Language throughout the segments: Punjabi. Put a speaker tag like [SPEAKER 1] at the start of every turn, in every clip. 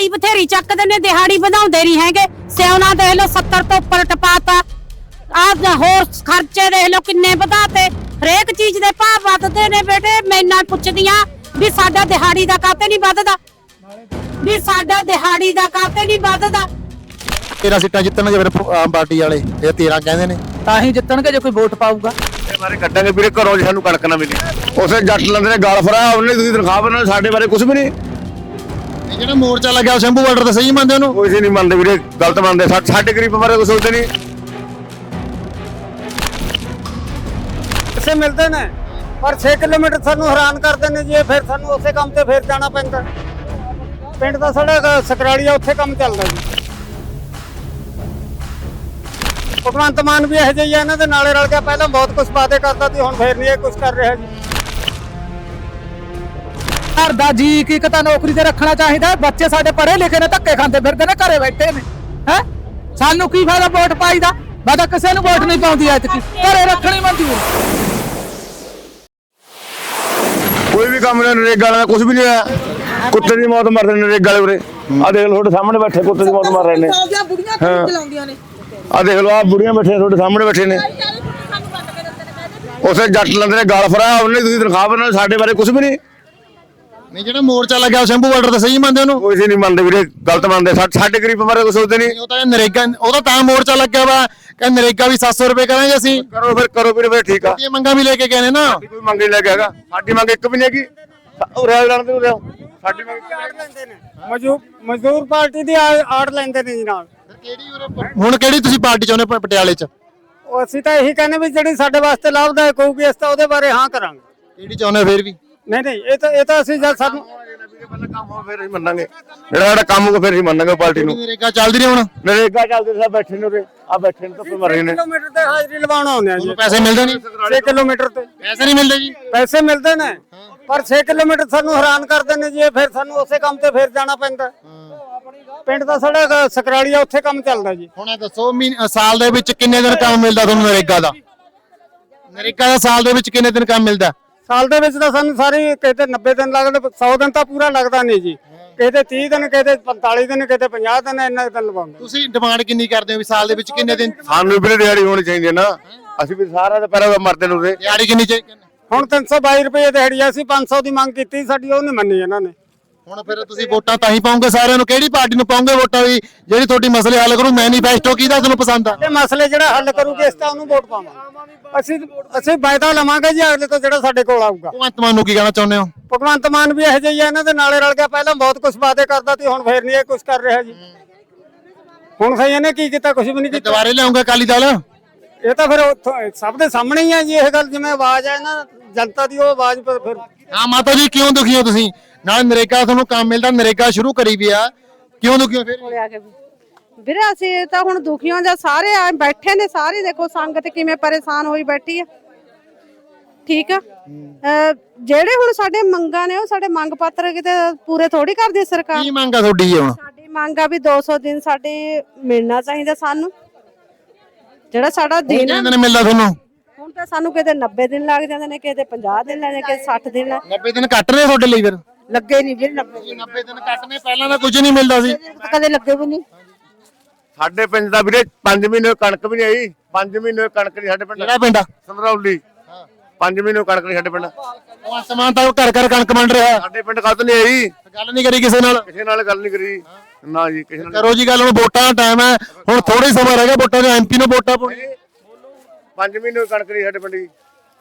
[SPEAKER 1] ਦਿਹਾੜੀ ਬਥੇਰੀ ਚੱਕਦੇ ਨੇ, ਦਿਹਾੜੀ ਵਧਾਉਂਦੇ ਨਹੀਂ ਹੈਗੇ। ਸਿਉਣਾ ਦੇਖ ਲਓ 70 ਤੋਂ ਉੱਪਰ ਟਪਾਤਾ। ਆ ਹੋਰ ਖਰਚੇ ਦੇਖ ਲਓ ਕਿੰਨੇ ਵਧਾਤੇ। ਹਰੇਕ ਚੀਜ਼ ਦੇ ਭਾਅ ਵੱਧਦੇ ਨੇ ਬੇਟੇ। ਮੈਂ ਨਾਲ ਪੁੱਛਦੀਆਂ ਵੀ ਸਾਡਾ ਦਿਹਾੜੀ ਦਾ ਕਾਤੇ ਨਹੀਂ ਵੱਧਦਾ, ਵੀ ਸਾਡਾ ਦਿਹਾੜੀ ਦਾ ਕਾਤੇ ਨਹੀਂ ਵੱਧਦਾ।
[SPEAKER 2] 13 ਸੀਟਾਂ ਜਿੱਤਣਗੇ ਫਿਰ ਆਮ ਪਾਰਟੀ ਵਾਲੇ, ਇਹ 13 ਕਹਿੰਦੇ ਨੇ,
[SPEAKER 3] ਤਾਂ ਹੀ ਜਿੱਤਣਗੇ ਜੇ ਕੋਈ ਵੋਟ ਪਾਊਗਾ।
[SPEAKER 4] ਇਹ ਬਾਰੇ ਕੱਢਾਂਗੇ ਵੀਰੇ, ਘਰੋਂ ਜੇ ਸਾਨੂੰ ਕਣਕ ਨਾ ਮਿਲੀ। ਉਸੇ ਜੱਟ ਲੰਦੇ ਨੇ ਗਲ ਫੜਾ, ਉਹਨੇ ਤੁਸੀਂ ਤਨਖਾਹ ਬਣਾ, ਸਾਡੇ ਬਾਰੇ ਕੁਝ ਵੀ ਨਹੀਂ।
[SPEAKER 2] ਇਹ ਜਿਹੜਾ ਮੋਰਚਾ ਲੱਗਿਆ ਸ਼ੰਭੂ ਬਾਰਡਰ ਤੇ ਸਹੀ ਮੰਨਦੇ ਉਹਨੂੰ?
[SPEAKER 4] ਕੋਈ ਨਹੀਂ ਮੰਨਦੇ ਵੀਰੇ, ਗਲਤ ਮੰਨਦੇ। ਸਾਡੇ ਗਰੀਬ ਬਾਰੇ ਕੁਝ ਸੋਚਦੇ ਨਹੀਂ।
[SPEAKER 5] ਪੈਸੇ ਮਿਲਦੇ ਨੇ ਪਰ 6 ਕਿਲੋਮੀਟਰ ਸਾਨੂੰ ਹੈਰਾਨ ਕਰਦੇ ਨੇ ਜੀ। ਫਿਰ ਸਾਨੂੰ ਉਸੇ ਕੰਮ ਤੇ ਫਿਰ ਜਾਣਾ ਪੈਂਦਾ। ਪਿੰਡ ਦਾ ਸਾਡਾ ਸਕਰਾੜੀਆ, ਉੱਥੇ ਕੰਮ ਚੱਲਦਾ ਜੀ। ਭਗਵੰਤ ਮਾਨ ਵੀ ਇਹੋ ਜਿਹੀ ਆ, ਇਹਨਾਂ ਦੇ ਨਾਲੇ ਰਲ ਗਿਆ। ਪਹਿਲਾਂ ਬਹੁਤ ਕੁਝ ਵਾਅਦੇ ਕਰਦਾ ਸੀ, ਹੁਣ ਫੇਰ ਨਹੀਂ ਇਹ ਕੁਝ ਕਰ ਰਿਹਾ ਜੀ।
[SPEAKER 3] ਘਰ ਦਾ ਜੀ ਇੱਕ ਤਾਂ ਨੌਕਰੀ ਤੇ ਰੱਖਣਾ ਚਾਹੀਦਾ। ਬੱਚੇ ਸਾਡੇ ਪੜ੍ਹੇ ਲਿਖੇ ਨੇ, ਧੱਕੇ ਖਾਂਦੇ ਫਿਰਦੇ ਨੇ, ਘਰੇ ਬੈਠੇ ਨੇ। ਹੈ ਸਾਨੂੰ ਕੀ ਫਾਇਦਾ ਵੋਟ ਪਾਈ ਦਾ? ਮੈਂ ਤਾਂ ਕਿਸੇ ਨੂੰ ਵੋਟ ਨਹੀਂ ਪਾਉਂਦੀ ਐਤਕੀ, ਘਰੇ ਰੱਖਣੀ ਮਨਜ਼ੂਰ।
[SPEAKER 4] ਕੋਈ ਵੀ ਕੰਮ ਨਹੀਂ, ਨਰੇਗਾ ਵਾਲਾ ਕੁਝ ਵੀ ਨਹੀਂ ਆਇਆ। ਕੁੱਤੇ ਦੀ ਮੌਤ ਮਰਦੇ ਨੇ ਨਰੇਗਾ ਵਾਲੇ ਉਰੇ। ਆ ਦੇਖ ਲਓ ਤੁਹਾਡੇ ਸਾਹਮਣੇ ਬੈਠੇ ਕੁੱਤੇ ਦੀ ਮੌਤ ਮਰ ਰਹੇ ਨੇ। ਆ ਦੇਖ ਲਓ, ਆ ਬੁੜੀਆਂ ਬੈਠੀਆਂ ਤੁਹਾਡੇ ਸਾਹਮਣੇ ਬੈਠੇ ਨੇ। ਉਸੇ ਜੱਟ ਲੰਦੇ ਨੇ ਗਲ ਫੜਾ, ਉਹਨੇ ਤੁਸੀਂ ਤਨਖਾਹ ਬਣਾ, ਸਾਡੇ ਬਾਰੇ ਕੁਝ ਵੀ ਨਹੀਂ।
[SPEAKER 2] ਨਹੀਂ ਜਿਹੜਾ ਮੋਰਚਾ ਲੱਗਿਆ ਸ਼ੰਭੂ ਬਾਰਡਰ ਤੇ ਸਹੀ ਮੰਨਦੇ ਉਹਨੂੰ?
[SPEAKER 4] ਕੋਈ ਨਹੀਂ ਮੰਨਦੇ ਵੀਰੇ, ਗਲਤ ਮੰਨਦੇ। ਸਾਡੇ ਗਰੀਬ ਬਾਰੇ ਕੁਝ ਸੋਚਦੇ ਨਹੀਂ।
[SPEAKER 2] ਉਹ ਤਾਂ ਨਰੇਗਾ, ਉਹਦਾ ਤਾਂ ਮੋਰਚਾ ਲੱਗਿਆ ਵਾ ਕਿ ਨਰੇਗਾ ਵੀ 700 ਰੁਪਏ ਕਰਾਂਗੇ ਅਸੀਂ।
[SPEAKER 4] ਕਰੋ ਵੀਰੇ, ਠੀਕ ਆ।
[SPEAKER 2] ਇਹ ਮੰਗਾਂ ਵੀ ਲੈ ਕੇ ਗਏ ਨੇ ਨਾ।
[SPEAKER 4] ਕੋਈ ਮੰਗ ਨਹੀਂ ਲੈ ਕੇ ਹੈਗਾ, ਸਾਡੀ ਮੰਗ ਇੱਕ ਵੀ ਨਹੀਂ ਹੈਗੀ। ਉਰੇ ਲੜਨ ਦੇ ਉਰੇ ਸਾਡੀ ਮੰਗ
[SPEAKER 5] ਮਜ਼ਦੂਰ ਪਾਰਟੀ ਦੀ ਆੜ ਲੈਂਦੇ ਨੇ ਜੀ ਨਾਲ।
[SPEAKER 2] ਹੁਣ ਕਿਹੜੀ ਤੁਸੀਂ ਪਾਰਟੀ ਚਾਹੁੰਦੇ ਪਟਿਆਲੇ 'ਚ?
[SPEAKER 5] ਉਹ ਅਸੀਂ ਤਾਂ ਇਹੀ ਕਹਿੰਦੇ ਵੀ ਜਿਹੜੀ ਸਾਡੇ ਵਾਸਤੇ ਲਾਭਦਾਇਕ ਹੋਊਗੀ, ਅਸੀਂ ਤਾਂ ਉਹਦੇ ਬਾਰੇ ਹਾਂ ਕਰਾਂਗੇ।
[SPEAKER 2] ਕਿਹੜੀ ਚਾਹੁੰਦੇ ਫਿਰ ਵੀ?
[SPEAKER 5] ਨਹੀਂ ਇਹ ਤਾਂ ਅਸੀਂ ਜਦ ਸਾਨੂੰ
[SPEAKER 4] ਕੰਮ ਹੋ ਫਿਰ ਅਸੀਂ ਮੰਨਾਂਗੇ। ਜਿਹੜਾ ਸਾਡਾ ਕੰਮ ਹੋ ਫਿਰ ਅਸੀਂ ਮੰਨਾਂਗੇ ਪਾਰਟੀ ਨੂੰ।
[SPEAKER 2] ਨਰੇਗਾ ਚੱਲਦੀ ਰਹੀ ਹੁਣ?
[SPEAKER 4] ਨਰੇਗਾ ਚੱਲਦੇ ਸਭ ਬੈਠੇ ਨੇ ਉਰੇ, ਆ ਬੈਠੇ ਨੇ ਧੁੱਪੇ ਮਰ ਰਹੇ ਨੇ।
[SPEAKER 5] ਕਿਲੋਮੀਟਰ ਤੇ ਹਾਜ਼ਰੀ ਲਵਾਉਣ ਆਉਂਦੇ ਆ ਜੀ।
[SPEAKER 2] ਪੈਸੇ ਮਿਲਦੇ ਨਹੀਂ?
[SPEAKER 5] 6 ਕਿਲੋਮੀਟਰ ਤੇ
[SPEAKER 2] ਪੈਸੇ ਨਹੀਂ ਮਿਲਦੇ ਜੀ?
[SPEAKER 5] ਪੈਸੇ ਮਿਲਦੇ ਨੇ ਪਰ 6 ਕਿਲੋਮੀਟਰ ਸਾਨੂੰ ਹੈਰਾਨ ਕਰਦੇ ਨੇ ਜੀ। ਫਿਰ ਸਾਨੂੰ ਉਸੇ ਕੰਮ ਤੇ ਫਿਰ ਜਾਣਾ ਪੈਂਦਾ। ਪਿੰਡ ਦਾ ਸਾਡਾ ਸਕਰਾੜੀਆ, ਉੱਥੇ ਕੰਮ ਚੱਲਦਾ ਜੀ।
[SPEAKER 2] ਹੁਣ ਇਹ ਦੱਸੋ ਸਾਲ ਦੇ ਵਿੱਚ ਕਿੰਨੇ ਦਿਨ ਕੰਮ ਮਿਲਦਾ ਤੁਹਾਨੂੰ ਨਰੇਗਾ ਦਾ? ਨਰੇਗਾ ਦਾ ਸਾਲ ਦੇ ਵਿੱਚ ਕਿੰਨੇ ਦਿਨ ਕੰਮ ਮਿਲਦਾ?
[SPEAKER 5] ਸਾਲ ਦੇ ਵਿੱਚ ਤਾਂ ਸਾਨੂੰ ਸਾਰੀ ਕਿਤੇ 90 ਦਿਨ ਲੱਗਦੇ, 100 ਦਿਨ ਤਾਂ ਪੂਰਾ ਲੱਗਦਾ ਨਹੀਂ ਜੀ। ਕਿਤੇ 30 ਦਿਨ, ਕਿਤੇ 45 ਦਿਨ, ਕਿਤੇ 50 ਦਿਨ, ਇੰਨਾ ਦਿਨ ਲਵਾਉਂਦੇ।
[SPEAKER 2] ਤੁਸੀਂ ਡਿਮਾਂਡ ਕਿੰਨੀ ਕਰਦੇ ਹੋ ਵੀ ਸਾਲ ਦੇ ਵਿੱਚ ਕਿੰਨੇ ਦਿਨ?
[SPEAKER 4] ਸਾਨੂੰ ਵੀ ਦਿਹਾੜੀ ਹੋਣੀ ਚਾਹੀਦੀ ਹੈ ਨਾ। ਅਸੀਂ ਵੀ ਸਾਰਾ ਤਾਂ ਪਹਿਲਾਂ ਮਰਦੇ ਨੂੰ ਉਰੇ।
[SPEAKER 2] ਦਿਹਾੜੀ ਕਿੰਨੀ ਚਾਹੀਦੀ?
[SPEAKER 5] ਹੁਣ 322 ਰੁਪਏ ਦਿਹਾੜੀ ਆ। ਅਸੀਂ 500 ਦੀ ਮੰਗ ਕੀਤੀ, ਸਾਡੀ ਉਹ ਨਹੀਂ ਮੰਨੀ ਇਹਨਾਂ ਨੇ।
[SPEAKER 2] ਹੁਣ ਫਿਰ ਤੁਸੀਂ ਵੋਟਾਂ ਤਾਂ ਹੀ ਪਾਉਂਗੇ ਸਾਰਿਆਂ ਨੂੰ। ਕਿਹੜੀ ਪਾਰਟੀ ਨੂੰ ਪਾਉਂਗੇ ਵੋਟਾਂ ਵੀ ਜਿਹੜੀ ਤੁਹਾਡੀ ਮਸਲੇ ਹੱਲ ਕਰੂ? ਮੈਨੀਫੈਸਟੋ ਕਿਹਦਾ ਤੁਹਾਨੂੰ ਪਸੰਦ ਆ?
[SPEAKER 5] ਇਹ ਮਸਲੇ ਜਿਹੜਾ ਹੱਲ ਕਰੂਗੇ ਇਸ ਤਾਂ ਉਹਨੂੰ ਵੋਟ ਪਾਵਾਂਗੇ। ਅਸੀਂ ਵਾਅਦਾ ਲਵਾਂਗੇ ਜੀ ਅਗਲੇ ਤੋਂ ਜਿਹੜਾ ਸਾਡੇ ਕੋਲ ਆਊਗਾ।
[SPEAKER 2] ਭਗਵੰਤ ਮਾਨ ਨੂੰ ਕੀ ਕਹਿਣਾ ਚਾਹੁੰਦੇ ਹੋ?
[SPEAKER 5] ਭਗਵੰਤ ਮਾਨ ਵੀ ਇਹੋ ਜਿਹੀ ਆ, ਇਹਨਾਂ ਦੇ ਨਾਲੇ ਰਲ ਗਿਆ। ਪਹਿਲਾਂ ਬਹੁਤ ਕੁਝ ਵਾਅਦੇ ਕਰਦਾ ਸੀ, ਹੁਣ ਫੇਰ ਨਹੀਂ ਇਹ ਕੁਝ ਕਰ ਰਿਹਾ ਜੀ। ਹੁਣ ਸਹੀ ਇਹਨੇ ਕੀ ਕੀਤਾ? ਕੁਝ ਵੀ ਨਹੀਂ ਕੀਤਾ।
[SPEAKER 2] ਦੁਬਾਰੇ ਲਿਆਉਂਗੇ ਅਕਾਲੀ ਦਲ?
[SPEAKER 5] ਇਹ ਤਾਂ ਫਿਰ ਸਭ ਦੇ ਸਾਹਮਣੇ ਹੀ ਆ ਜੀ ਇਹ ਗੱਲ। ਜਿਵੇਂ ਆਵਾਜ਼ ਹੈ ਨਾ ਜਨਤਾ ਦੀ, ਉਹ ਆਵਾਜ਼ ਪਰ ਫਿਰ
[SPEAKER 2] ਹਾਂ ਮਾਤਾ ਜੀ, ਕਿਉਂ ਦੁਖੀ ਹੋ ਤੁਸੀਂ? ਨਾਲ ਨਰੇਗਾ ਤੁਹਾਨੂੰ ਕੰਮ ਮਿਲਦਾ, ਨਰੇਗਾ ਸ਼ੁਰੂ ਕਰੀ ਵੀ ਆ, ਕਿਉਂ ਦੁਖੀ ਹੋ ਫਿਰ?
[SPEAKER 6] ਵੀਰੇ ਅਸੀਂ ਤਾਂ ਹੁਣ ਦੁਖੀਆਂ ਜਾਂ ਸਾਰੇ ਆ ਬੈਠੇ ਨੇ। ਸਾਰੇ ਦੇਖੋ ਸੰਗਤ ਕਿਵੇਂ ਪਰੇਸ਼ਾਨ ਹੋਈ ਬੈਠੀ ਆ। ਠੀਕ ਆ, ਜਿਹੜੇ ਹੁਣ ਸਾਡੇ ਮੰਗਾਂ ਨੇ ਉਹ ਸਾਡੇ ਮੰਗ ਪੱਤਰ ਕਿਤੇ ਪੂਰੇ ਥੋੜੀ ਕਰਦੀ ਸਰਕਾਰ।
[SPEAKER 2] ਕੀ ਮੰਗ ਆ ਤੁਹਾਡੀ ਹੁਣ?
[SPEAKER 6] ਸਾਡੀ ਮੰਗ ਆ ਵੀ 200 ਦਿਨ ਸਾਡੇ ਮਿਲਣਾ ਚਾਹੀਦਾ ਸਾਨੂੰ, ਜਿਹੜਾ ਸਾਡਾ ਦਿਨ
[SPEAKER 2] ਕਿੰਨੇ ਦਿਨ ਮਿਲਦਾ ਤੁਹਾਨੂੰ?
[SPEAKER 6] ਹੁਣ ਤਾਂ ਸਾਨੂੰ ਕਿਤੇ 90 ਦਿਨ ਲੱਗ ਜਾਂਦੇ ਨੇ, ਕਿਤੇ 50 ਦਿਨ ਲੱਗਦੇ, ਕਿਤੇ 60 ਦਿਨ
[SPEAKER 2] 90 ਦਿਨ ਕੱਟ ਰਹੇ ਤੁਹਾਡੇ ਲਈ ਫਿਰ?
[SPEAKER 6] ਲੱਗੇ ਨਹੀਂ ਵੀਰੇ।
[SPEAKER 2] 90 ਦਿਨ ਕੱਟਨੇ, ਪਹਿਲਾਂ ਤਾਂ ਕੁਝ ਨਹੀਂ ਮਿਲਦਾ ਸੀ।
[SPEAKER 6] ਕਦੇ ਲੱਗੇ ਵੀ ਨਹੀਂ।
[SPEAKER 4] ਸਾਡੇ ਪਿੰਡ ਦਾ ਵੀਰੇ 5 ਮਹੀਨੇ ਕਣਕ ਵੀ ਨਹੀਂ ਆਈ। 5 ਮਹੀਨੇ ਕਣਕ ਨਹੀਂ ਸਾਡੇ ਪਿੰਡ।
[SPEAKER 2] ਕਿਹੜਾ ਪਿੰਡ ਆ?
[SPEAKER 4] ਸੰਧਰੌਲੀ। 5 ਮਹੀਨੇ ਕਣਕ ਨਹੀਂ ਸਾਡੇ ਪਿੰਡ।
[SPEAKER 2] ਉਹ ਸਮਾਨ ਤਾਂ ਘਰ ਘਰ ਕਣਕ ਵੰਡ ਰਿਹਾ।
[SPEAKER 4] ਸਾਡੇ ਪਿੰਡ ਕੱਲ ਨਹੀਂ ਆਈ।
[SPEAKER 2] ਗੱਲ ਨਹੀਂ ਕਰੀ ਕਿਸੇ ਨਾਲ?
[SPEAKER 4] ਕਿਸੇ ਨਾਲ ਗੱਲ ਨਹੀਂ ਕਰੀ ਨਾ ਜੀ, ਕਿਸੇ ਨਾਲ।
[SPEAKER 2] ਕਰੋ ਜੀ ਗੱਲ। ਹੁਣ ਵੋਟਾਂ ਦਾ ਟਾਈਮ ਹੈ, ਹੁਣ ਥੋੜਾ ਸਮਾਂ ਰਹਿ ਗਿਆ ਵੋਟਾਂ ਦੇ। ਐਮਪੀ ਨੂੰ ਵੋਟਾਂ ਪਾਉਣੀ।
[SPEAKER 4] 5 ਮਹੀਨੇ ਕਣਕ ਨਹੀਂ ਸਾਡੇ ਪਿੰਡ ਦੀ।